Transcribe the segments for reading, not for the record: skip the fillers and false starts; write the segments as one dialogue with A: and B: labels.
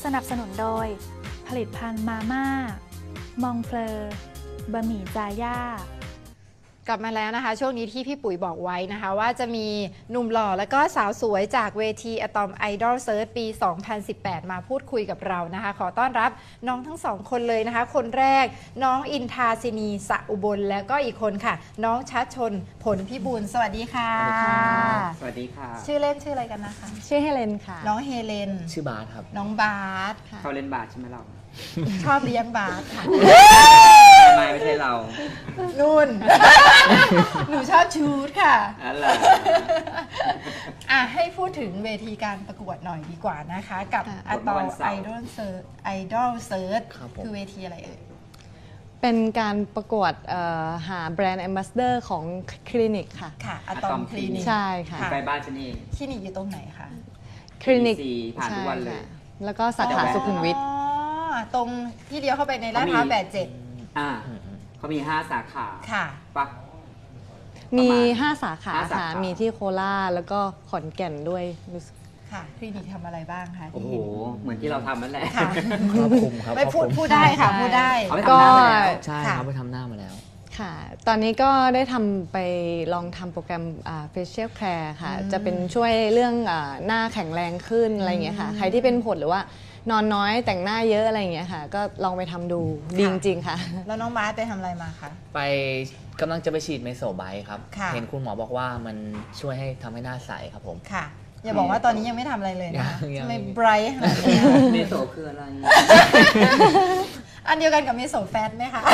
A: สนับสนุนโดยผลิตภัณฑ์มาม่ามองเฟลอบะหมี่จาย่ากลับมาแล้วนะคะช่วงนี้ที่พี่ปุ๋ยบอกไว้นะคะว่าจะมีหนุ่มหล่อและก็สาวสวยจากเวที Atom Idol Search ปี 2018 มาพูดคุยกับเรานะคะขอต้อนรับน้องทั้งสองคนเลยนะคะคนแรกน้องอินทาสินีสะอุบลแล้วก็อีกคนค่ะน้องชัดชนผลพิบูลสวัสดีค่ะ
B: สวัสดีค่ะ
A: ชื่อเล่นชื่ออะไรกันนะคะ
C: ชื่อเฮเลนค่ะ
A: น้องเฮเลน
D: ชื่อบาสครับ
A: น้องบาสค่ะ
B: เขาเล่นบาสใช่ไหมเรา
A: ชอบเลี้ยงบาสค่ะ
B: ไม่ใช่เรา
A: นุ่น หนูชอบชูดค่ะ
B: อะไร
A: ให้พูดถึงเวทีการประกวดหน่อยดีกว่านะคะกับ Atom Idol Search คือเวทีอะไรเอ่ย
C: เป็นการประกวดหาแบรนด์แอมบาสเดอร์ของคลินิกค่ะ
A: ค่ะ Atom คลินิก
C: ใช่ค่ะ
B: ใกล้บ้านฉันเอง
A: คลินิกอยู่ตรงไหนคะ
C: คลินิก
B: ผ่านทุกวันเลย
C: แล้วก็สาขาสุขุมวิท
A: ตรงที่เลี้ยวเข้าไปในลาดพร้าว87
B: เขามี5 สาขา
A: ค่ะ
B: ปะ
C: มี5 สาขาค่ะมีที่โคราชแล้วก็ขอนแก่นด้วย
A: ค่ะคลินิกทำอะไรบ้างคะ
B: โอ้โหเหมือนที่เราทำนั่นแหละ
A: ค่ะ
D: ครอบคลุมครับ
A: ไม่พูดได้ค่ะพูดได้
B: ก็
D: ใช่ครับไปทำหน้ามาแล้ว
C: ค่ะตอนนี้ก็ได้ทำไปลองทำโปรแกรมfacial care ค่ะจะเป็นช่วยเรื่องหน้าแข็งแรงขึ้นอะไรอย่างเงี้ยค่ะใครที่เป็นผดหรือว่านอนน้อยแต่งหน้าเยอะอะไรอย่างเงี้ยค่ะก็ลองไปทำดูดีจริงๆค่ะ
A: แล้วน้องบาสไปทำอะไรมาคะ
D: ไปกำลังจะไปฉีดเมโซไบต์ครับเห็นคุณหมอบอกว่ามันช่วยให้ทำให้หน้าใสครับผม
A: ค่ะอย่าบอกว่าตอนนี้ยังไม่ทำอะไรเลยนะทำไมไบรท์ขนาดนี้
B: เมโซคืออะไร
A: อันเดียวกันกับเมโซแฟตไหมคะ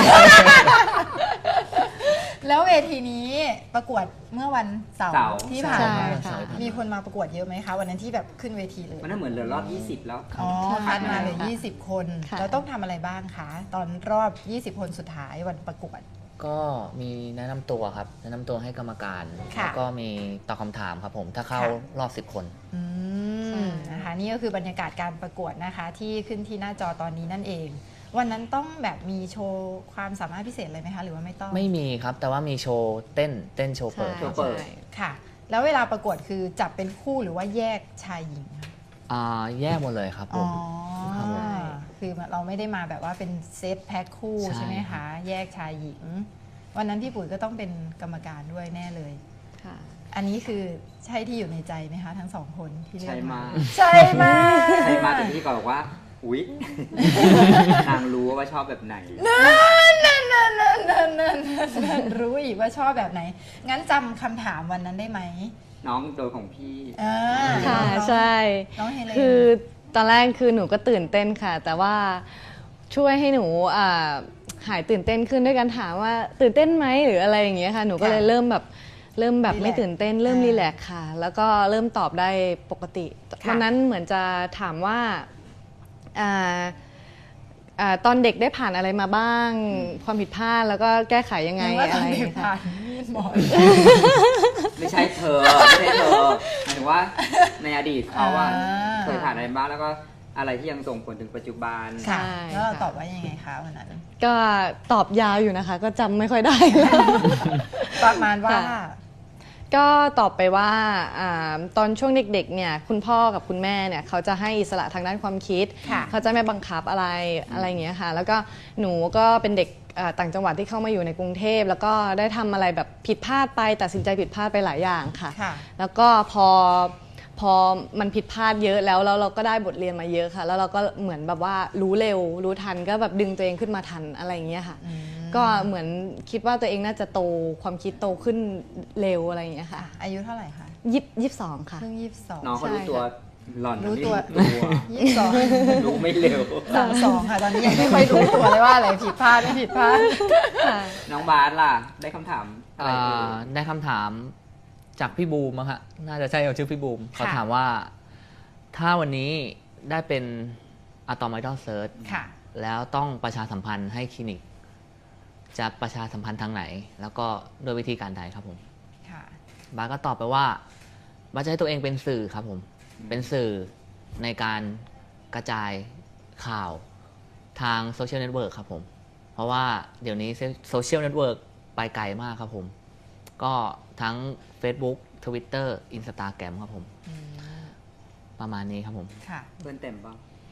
A: แล้วเวทีนี้ประกวดเมื่อวันเสาร์ที่ผ่านมามีคนมาประกวดเยอะไหมคะวันนั้นที่แบบขึ้นเวทีเลย
B: มันเหมือนเหลือรอบ20แล้ว
A: คัดมาเลย20 คนแล้วต้องทำอะไรบ้างคะตอนรอบ20 คนสุดท้ายวันประกวด
D: ก็มีแนะนำตัวครับแนะนำตัวให้กรรมการแล้วก็มีตอบคำถามครับผมถ้าเข้ารอบ10 คน
A: นะคะนี่ก็คือบรรยากาศการประกวดนะคะที่ขึ้นที่หน้าจอตอนนี้นั่นเองวันนั้นต้องแบบมีโชว์ความสามารถพิเศษอะไรไหมคะหรือว่าไม่ต้อง
D: ไม่มีครับแต่ว่ามีโชว์เต้นโชว์เปิด
A: ค่ะแล้วเวลาประกวดคือจับเป็นคู่หรือว่าแยกชายหญิง
D: แยกหมดเลยครับผม
A: คือเราไม่ได้มาแบบว่าเป็นเซตแพ็คคู่ใช่ไหมคะแยกชายหญิงวันนั้นพี่ปุ๋ยก็ต้องเป็นกรรมการด้วยแน่เลยค่ะอันนี้คือใช่ที่อยู่ในใจไหมคะทั้งสองคนที่เลือกมาใช่มา
B: แต่ที่บอกว่าอุ๊ยนางรู้ว่าชอบแบบไหน
A: นั่นรู้อีกว่าชอบแบบไหนงั้นจำคำถามวันนั้นได้ไหม
B: น้องโดยของพี่
C: ค่ะใช่คือตอนแรกคือหนูก็ตื่นเต้นค่ะแต่ว่าช่วยให้หนูหายตื่นเต้นขึ้นด้วยการถามว่าตื่นเต้นไหมหรืออะไรอย่างเงี้ยค่ะหนูก็เลยเริ่มแบบไม่ตื่นเต้นเริ่มรีแลกซ์ค่ะแล้วก็เริ่มตอบได้ปกติวันนั้นเหมือนจะถามว่าตอนเด็กได้ผ่านอะไรมาบ้างความผิดพลาดแล้วก็แก้ไขยังไงอะไรอย่างเงี้ยค่ะ
B: ไม่ใช่เธอหมายถึงว่าในอดีตเขาเคยผ่านอะไรบ้างแล้วก็อะไรที่ยังส่งผลถึงปัจจุบัน
A: ค่ะแล้วเราตอบว่ายังไงคะวันนั้น
C: ก็ตอบยาวอยู่นะคะก็จำไม่ค่อยได้
A: ประมาณว่า
C: ก็ตอบไปว่าตอนช่วงเด็กๆเนี่ยคุณพ่อกับคุณแม่เนี่ยเขาจะให้อิสระทางด้านความคิดเขาจะไม่บังคับอะไรอย่างเงี้ยค่ะแล้วก็หนูก็เป็นเด็กต่างจังหวัดที่เข้ามาอยู่ในกรุงเทพแล้วก็ได้ทำอะไรแบบผิดพลาดไปตัดสินใจผิดพลาดไปหลายอย่างค่ะแล้วก็พอมันผิดพลาดเยอะแล้วเราก็ได้บทเรียนมาเยอะค่ะแล้วเราก็เหมือนแบบว่ารู้เร็วรู้ทันก็แบบดึงตัวเองขึ้นมาทันอะไรอย่างเงี้ยค่ะก็เหมือนคิดว่าตัวเองน่าจะโตความคิดโตขึ้นเร็วอะไรอย่างเงี้ยค่ะ
A: อายุเท่าไหร่คะ
C: 22ค่ะ
A: เพิ่ง22
B: น้องเขารู้ตัวหล่อน
A: รู้ตัว
B: 22รู้ไม่เร็ว
A: 32ค่ะตอนนี้ยังไม่ค่อยรู้ตัวเลยว่าอะไรผิดพลาดไม่ผิดพลาด
B: น้องบาสล่ะได้คำถาม
D: ได้คำถามจากพี่บูมฮะน่าจะใช่เขาชื่อพี่บูมเขาถามว่าถ้าวันนี้ได้เป็น Atom Idol Search แล้วต้องประชาสัมพันธ์ให้คลินิกจะประชาสัมพันธ์ทางไหนแล้วก็โดยวิธีการใดครับผมบาสก็ตอบไปว่าบาสจะให้ตัวเองเป็นสื่อครับผมเป็นสื่อในการกระจายข่าวทางโซเชียลเน็ตเวิร์กครับผมเพราะว่าเดี๋ยวนี้โซเชียลเน็ตเวิร์กไปไกลมากครับผมก็ทั้ง Facebook Twitter Instagram ครับผมประมาณนี้ครับผม
B: เพื่อนเต็มป่ะ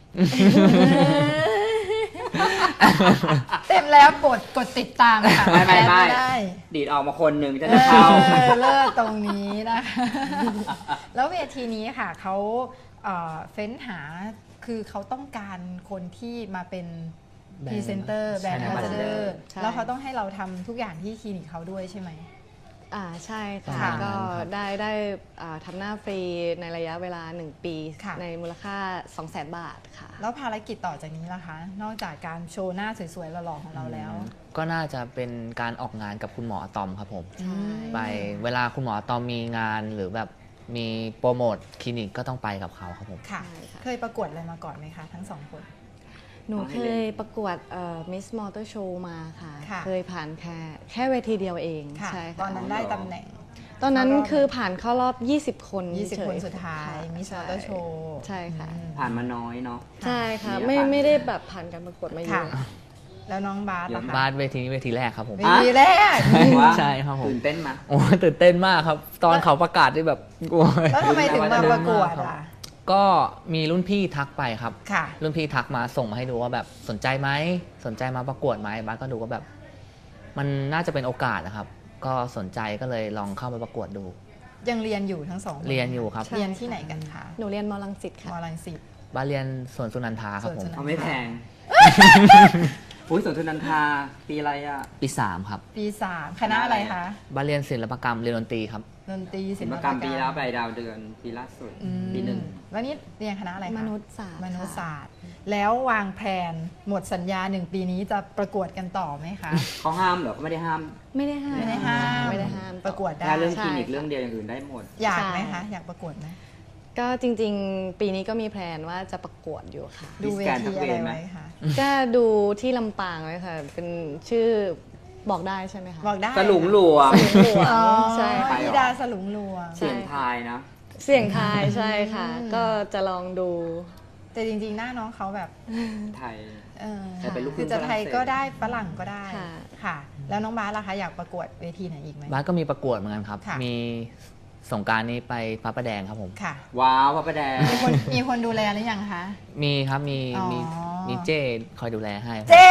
A: เต็มแล้วกดติดตามค่ะ
B: ไม่
A: แอดได้
B: ดีดออกมาคนหนึ่งจะได้เข้า
A: เลิศตรงนี้นะคะ แล้วเวทีนี้ค่ะเขาเฟ้นหาคือเขาต้องการคนที่มาเป็นพรีเซนเตอร์แบรนด์
B: ใช่
A: แอมบาสเดอร์
C: ใช่
A: แล้วเขาต้องให้เราทำทุกอย่างที่คลินิกเขาด้วยใช่ไหม
C: ใช่ค่ะ
A: ค่ะ
C: ก็ได้ทำหน้าฟรีในระยะเวลา 1 ปี
A: ค่ะ
C: ในมูลค่า 200,000 บาทค่ะ
A: แล้วภารกิจต่อจากนี้ล่ะคะ นอกจากการโชว์หน้าสวยๆหล่อๆของเราแล้ว
D: ก็น่าจะเป็นการออกงานกับคุณหมออะตอมครับผม
C: ใช่
D: ไปเวลาคุณหมออะตอมมีงานหรือแบบมีโปรโมทคลินิกก็ต้องไปกับเขาครับผม
A: ค่ะ
C: ใช่ค่ะ
A: เคยประกวดอะไรมาก่อนไหมคะทั้งสองคน
C: หนูเคยประกวดมิสมอเตอร์โชว์มาค่ะ
A: ค่ะ
C: เคยผ่านแค่เวทีเดียวเอง
A: ค่ะ
C: ใช่
A: ต
C: ค่ะ
A: อนนั้นได้ตำแหน่ง
C: ตอนนั้น
A: เข้ารอบ
C: คือผ่านเข้ารอบ 20 คน
A: 20
C: เฉยๆ
A: คนสุดท้าย
C: ค่ะ
A: มิส
C: ใช่
A: มอเตอร์โชว์
C: ใช่ค่ะ
B: ผ่านมาน้อยเนาะ
C: ใช่ค่ะ
B: มีโอกาส
C: ไม่ได้แบบผ่านการประกวดมาเย
A: ค่ะ
C: อะ
A: แล้วน้องบาสล่ะคะ
D: บ้านเวทีนี้เวทีแรกครับผม
A: เวทีแรก
B: ว่า
D: ใช่ครับผม
B: ตื่นเต้นมา
D: โอ้ตื่นเต้นมากครับ ตอนเขาประกาศที่แบบโอ้ย
A: แล้วทำไมถึงมาประกวดอ่ะ
D: ก็มีรุ่นพี่ทักไปครับ
A: ค่ะ
D: รุ่นพี่ทักมาส่งมาให้ดูว่าแบบสนใจไหมสนใจมาประกวดไหมบ้านก็ดูว่าแบบ มันน่าจะเป็นโอกาสนะครับ ก็สนใจก็เลยลองเข้าไปประกวดดู
A: ยังเรียนอยู่ทั้งสองค
D: เรียนอยู่ครับ
A: เรียนที่ไหนกันคะ
C: หนูเรียนมอลังสิตค่ะ
A: มอลังสิต
D: บ้านเรียนสวนสุนันทาครับผม
A: สวนสุนันท
B: เขาไม่แพงอุ้ยสวนทุนันทาปีอะไรอ่ะ
D: ปี3ครับ
A: ปี3คณะอะไรคะ
D: บ้านเรียนศิลปกรรมเรียนดนตรีครับ
A: ดนตรีศิ
B: ศิ
A: ล
B: ล
A: ป
B: ป
A: ก
B: ก
A: ร
B: ร
A: ร
B: ร
A: ม
B: มปีแล้วไปดาวเดือนปีล่าสุด
A: อืม
B: ปีหนึ่ง
A: แล้วนี่เรียนคณะอะไรคะ
C: มนุษยศาสตร์
A: มนุษย
C: ค่ะ
A: ศาสตร์ แล้ววางแผนหมดสัญญา1 ปีนี้จะประกวดกันต่อไหมคะ
B: เขาห้ามเหรอเขาไม่ได้ห้าม
C: ไม่ได้ห้าม
A: ไม่ได้ห้าม
C: ไม่ได้ห้าม
A: ประกวดได้
B: แค่เรื่องค
C: ใช่
B: ลินิก
C: ค่ะ
B: เรื่องเดียวอย่างอื่นได้หมด
A: อยากไหม
C: ใช่
A: คะ อยากประกวดไหม
C: ก็จริงๆ ปีนี้ก็มีแพลนว่าจะประกวดอยู่ค่ะ
A: ดูเวทีอะไรไว้คะ
C: ก็ดูที่ลำปางไว้ค่ะ เป็นชื่อบอกได้ใช่ไหมคะ
A: บอกได้
B: สลุงหลวง
A: อ๋อ
C: ใช่
B: ไป
A: ธิ
B: เหรอ
A: ดาสลุงหลวง
C: ใช่
B: เสียงทายนะ
C: เสียงทายใช่ค่ะ ก็จะลองดู
A: แต่จริงๆ หน้าน้องเขาแบบ
B: ไทย
A: เออ
B: แต่เป็นลูกครึ่
A: คือง จะไทยก็ได้ฝรั่งก็ได้
C: ค่ะ
A: ค่ะ แล้วน้องบาสล่ะคะอยากประกวดเวทีไหนอีกไหม
D: บ้านก็มีประกวดเหมือนกันครับ
A: ค่ะ
D: มีสงกรารนี้ไปพระประแดงครับผม
A: ค่ะ
B: ว้าวพระประแดง
A: มีคนดูแลหรือยังคะ
D: มีครับมี
A: อ๋อ
D: มีเจ้คอยดูแลให้
A: เจ๊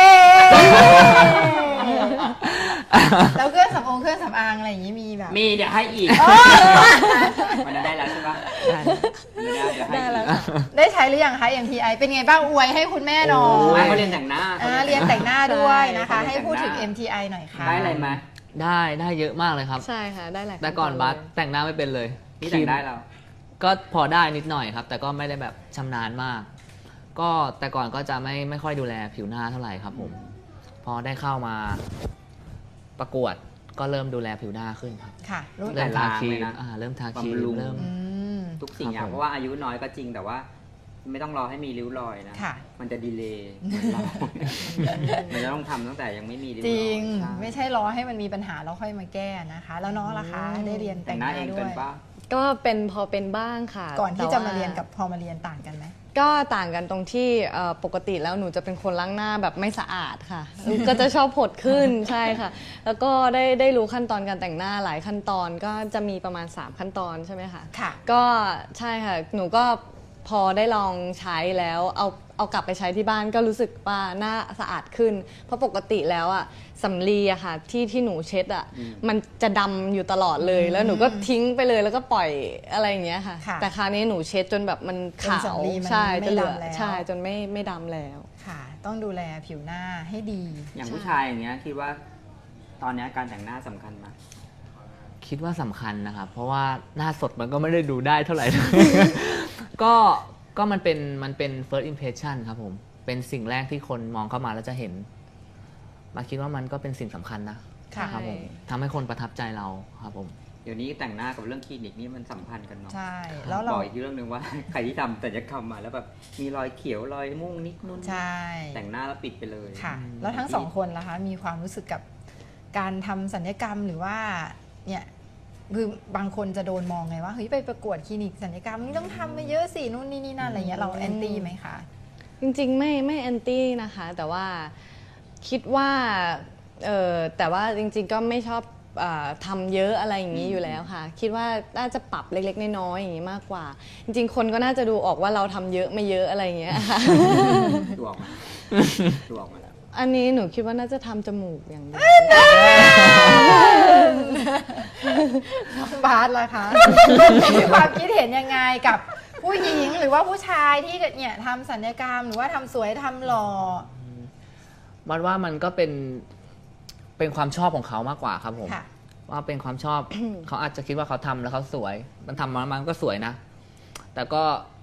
A: แล้วเครื่องสำอางอะไรอย่างนี้มีแบบ
B: มีเดี๋ยวให้อีกวันนั้นได้แล้วใช่ปะไม่ได้เดี๋ยวให้
C: ได้แล้ว
B: อีก
C: ค่ะ
A: ได้ใช้หรือยังคะ MTI เป็นไงบ้างอวยให้คุณแม่หน่อ
B: โอ้
A: ย
B: ยเขาเรียนแต่งหน้า
A: เรียนแต่งหน้าด้วยนะคะ
B: ใช่
A: ให้พูดถึง
B: แต่งหน้า
A: MTI หน่อยค่ะ
B: ได้อะไรไหม
D: ได้เยอะมากเลยครับ
C: ใช่ค่ะ ได้หลาย
D: แต่ก่อน
C: ขั้ต
D: บัส
C: เลย
D: แต่งหน้าไม่เป็นเลย
B: พี่แต่งได้เรา
D: ก็พอได้นิดหน่อยครับ แต่ก็ไม่ได้แบบชำนาญมาก ก็แต่ก่อนก็จะไม่ค่อยดูแลผิวหน้าเท่าไหร่ครับผม พอได้เข้ามาประกวดก็เริ่มดูแลผิวหน้าขึ้นครับ
A: ค่ะรู้
B: แต่
D: เริ่มทาครี
B: ล้างเลย
D: ม
B: นะ
D: เริ่มทาครีม
B: บำรุง
D: เริ่ม
A: อืม
B: ทุกสิ่งอย่าง
D: ครับผม
B: เพราะว่าอายุน้อยก็จริงแต่ว่า ไม่ต้องรอให้มีริ้วรอยนะ
A: ค่ะ
B: มันจะดีเลย์เหมือนเรา มันจะต้องทำตั้งแต่ยังไม่มีริ้วร
A: จ
B: อย
A: ริง
B: ใช่
A: ไม่ใช่รอให้มันมีปัญหาแล้วค่อยมาแก้นะคะ แล้วน้องล่ะคะ ได้เรียน
B: แต่
A: แต่
B: ง
A: ง
B: ห
A: ห
B: น้า
A: น้า
B: เอง
A: ด้ว
B: เกิน
A: ย
B: ป่ะ
C: ก็พอเป็นบ้างค่ะ
A: ก่อนที่
C: แต่
A: จะ
C: ว่
A: มาเรียนกับพอมาเรียนต่างกันไหม
C: ก็ต่างกันตรงที่ปกติแล้วหนูจะเป็นคนล้างหน้าแบบไม่สะอาดค่ะ ก็จะชอบผดขึ้น ใช่ค่ะ แล้วก็ได้รู้ขั้นตอนการแต่งหน้าหลายขั้นตอนก็จะมีประมาณ 3 ขั้นตอนใช่ไหมคะ
A: ค่ะ
C: ก็ใช่ค่ะ หนูก็พอได้ลองใช้แล้วเอากลับไปใช้ที่บ้านก็รู้สึกว่าหน้าสะอาดขึ้น เพราะปกติแล้วอะสำลีอะค่ะที่หนูเช็ดอะมันจะดำอยู่ตลอดเลย แล้วหนูก็ทิ้งไปเลยแล้วก็ปล่อยอะไรอย่างเงี้ยค่ะ
A: ค่ะ
C: แต่คราวนี้หนูเช็ดจนแบบมันขาว
A: จนสำลีมัน
C: ใช่
A: ไม่
C: จนเหลือ
A: ดำแล้ว
C: ใช่จนไม่ดำแล้ว
A: ค่ะ ต้องดูแลผิวหน้าให้ดี
B: อย่างผู้ชายอย่างเงี้ยคิดว่าตอนเนี้ยการแต่งหน้าสำคัญไหม
D: คิดว่าสำคัญนะครับ เพราะว่าหน้าสดมันก็ไม่ได้ดูได้เท่าไหร่ ก็มันเป็น first impression ครับผม เป็นสิ่งแรกที่คนมองเข้ามาแล้วจะเห็น มาคิดว่ามันก็เป็นสิ่งสำคัญนะ
A: ค่ะ
D: ครับผมทำให้คนประทับใจเราครับผม
B: เดี๋ยวนี้แต่งหน้ากับเรื่องคลินิกนี่มันสัมพันธ์กันเนาะ
A: ใช่ แล้วเรา
B: บอกอีกเรื่องหนึ่งว่า ใครที่ทำศัลยกรรมมาแล้วแบบมีรอยเขียวรอยม่วงนิดนู่น
A: ใช่
B: แต่งหน้าแล้วปิดไปเลย
A: ค่ะ แล้วทั้งสองคนล่ะคะ มีความรู้สึกกับการทำศัลยกรรมหรือว่าเนี่ยคือบางคนจะโดนมองไงว่าเฮ้ยไปประกวดคลินิกศัลยกรรมนี่ต้องทำมาเยอะสินู่นนี่นั่นอะไรเงี้ยเราแอนตี้ไหมคะ
C: จริงๆไม่แอนตี้นะคะ แต่ว่าคิดว่าแต่ว่าจริงๆก็ไม่ชอบทำเยอะอะไรอย่างนี้อยู่แล้วค่ะ คิดว่าน่าจะปรับเล็กๆน้อยๆอย่างนี้มากกว่า จริงๆคนก็น่าจะดูออกว่าเราทำเยอะไม่เยอะอะไรอย่างเงี้ยค่ะ
B: ดูออกมาดูออกมาแล้ว
C: อันนี้หนูคิดว่าน่าจะทำจมูกอย่างเดียว
A: บาสล่ะคะ มีความคิดเห็นยังไงกับผู้หญิงหรือว่าผู้ชายที่เนี่ยทำศัลยกรรมหรือว่าทำสวยทำหล่อ
D: มันว่ามันก็เป็นความชอบของเขามากกว่าครับผม
A: ค่ะ
D: ว่าเป็นความชอบ เขาอาจจะคิดว่าเขาทำแล้วเขาสวย มันทำมามันก็สวยนะ แต่ก็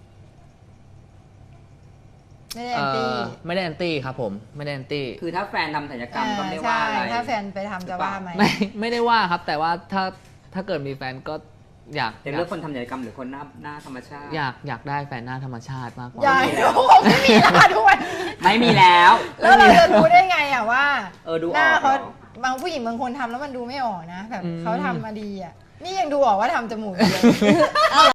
A: ไม่ได้แอนตี้
D: ไม่ได้แอนตี้ครับผมไม่ได้แอนตี้
B: คือถ้าแฟนทำศัลยกรรมก็ไม่ว่าอะไร
A: ใช่ถ้าแฟนไปทำจะว่าไหม
D: ไม่ได้ว่าครับ แต่ว่าถ้าเกิดมีแฟนก็อยาก
B: จะเลือกคนทำศัลยกรรมหรือคนหน้าธรรมชาติ
D: อยากได้แฟนหน้าธรรมชาติมากกว่า
A: ใหญ่โอ้โหไม่มีแล้วค่ะทุกวันนี้
B: ไม่มีแล้ว
A: แล้วเราจะรู้ได้ไงอะว่า
B: ดูออก
A: หน้าเขา
B: เหรอ
A: บางผู้หญิงบางคนทำแล้วมันดูไม่ออกนะแบบเขาทำมาดีอะนี่ยังดูออกว่าทำจมูกเยอะ